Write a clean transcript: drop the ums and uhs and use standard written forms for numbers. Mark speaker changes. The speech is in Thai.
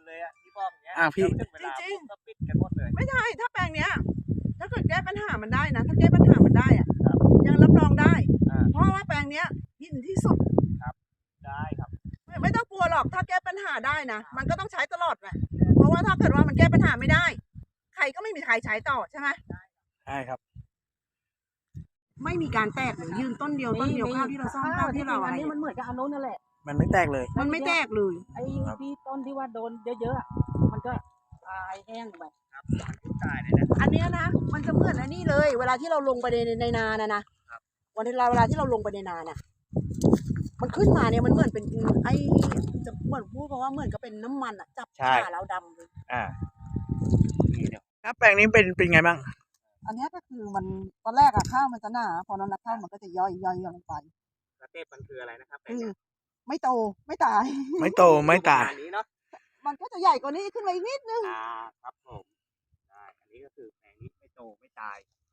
Speaker 1: เลยอ่ะที่บอกอย่างเงี้ย
Speaker 2: พี่
Speaker 1: ถึงเวลาปุ๊บก็ปิดกันหมดเลย
Speaker 3: ไม่ใช่ถ้าแปลงเนี้ยถ้าเกิดแก้ปัญหามันได้นะถ้าแก้ปัญหามันได้อะ
Speaker 1: ครับ
Speaker 3: ยังรับรองได้
Speaker 1: อ่า
Speaker 3: เพราะว่าแปลงเนี้ยหินที่สุด
Speaker 1: ได้ครับ
Speaker 3: ไม่ต้องกลัวหรอกถ้าแก้ปัญหาได้นะมันก็ต้องใช้ตลอดแหละเพราะว่าถ้าเกิดว่ามันแก้ปัญหาไม่ได้ ใครก็ไม่มีใครใช้ต่อใช่ไหม
Speaker 2: ใช่ครับ
Speaker 3: ไม่มีการแตกหรือยืนต้นเดียวข้าวที่เราซ่อมข้าวที่เราอะไร
Speaker 4: อันนี้มันเหมือนกับอันโน้นนั่นแหละ
Speaker 2: มันไม่แตกเลย
Speaker 3: มันไม่แตกเลย
Speaker 4: ไอ้ที่ต้นที่ว่าโดนเยอะๆอะมันก็ตายแห้งไป
Speaker 1: ครับมันตายเลยนะ
Speaker 3: อันเนี้ยนะมันจะเหมือนอันนี้เลย เวลาที่เราลงไปในนานะวันเวลาที่เราลงไปในนาน่ะมันขึ้นมาเนี่ยมันเหมือนเป็นไอ้จะเหมือนพูดเพราะว่าเหมือนกับเป็นน้ำมันอ่ะจับ
Speaker 2: ใช่
Speaker 3: ขาเราดำเลย
Speaker 1: นี่เดี๋ยว
Speaker 2: ครับแปลงนี้เป็นไงบ้าง
Speaker 3: อันเนี้ยก็คือมันตอนแรกอะข้าวมันจะหนาพอน้ำหนักข้าวมันก็จะย่อยลงไป
Speaker 1: สเต็ปมันคืออะไรนะครับ
Speaker 3: คือไม่โตไม่ตาย
Speaker 2: ไม่โตไม่ตาย
Speaker 1: อันนี้เนาะ
Speaker 3: มันก็จะใหญ่กว่านี้ขึ้นมาอีกนิดนึง
Speaker 1: ครับผมได้อันนี้ก็คือแปลงนี้ไม่โตไม่ตาย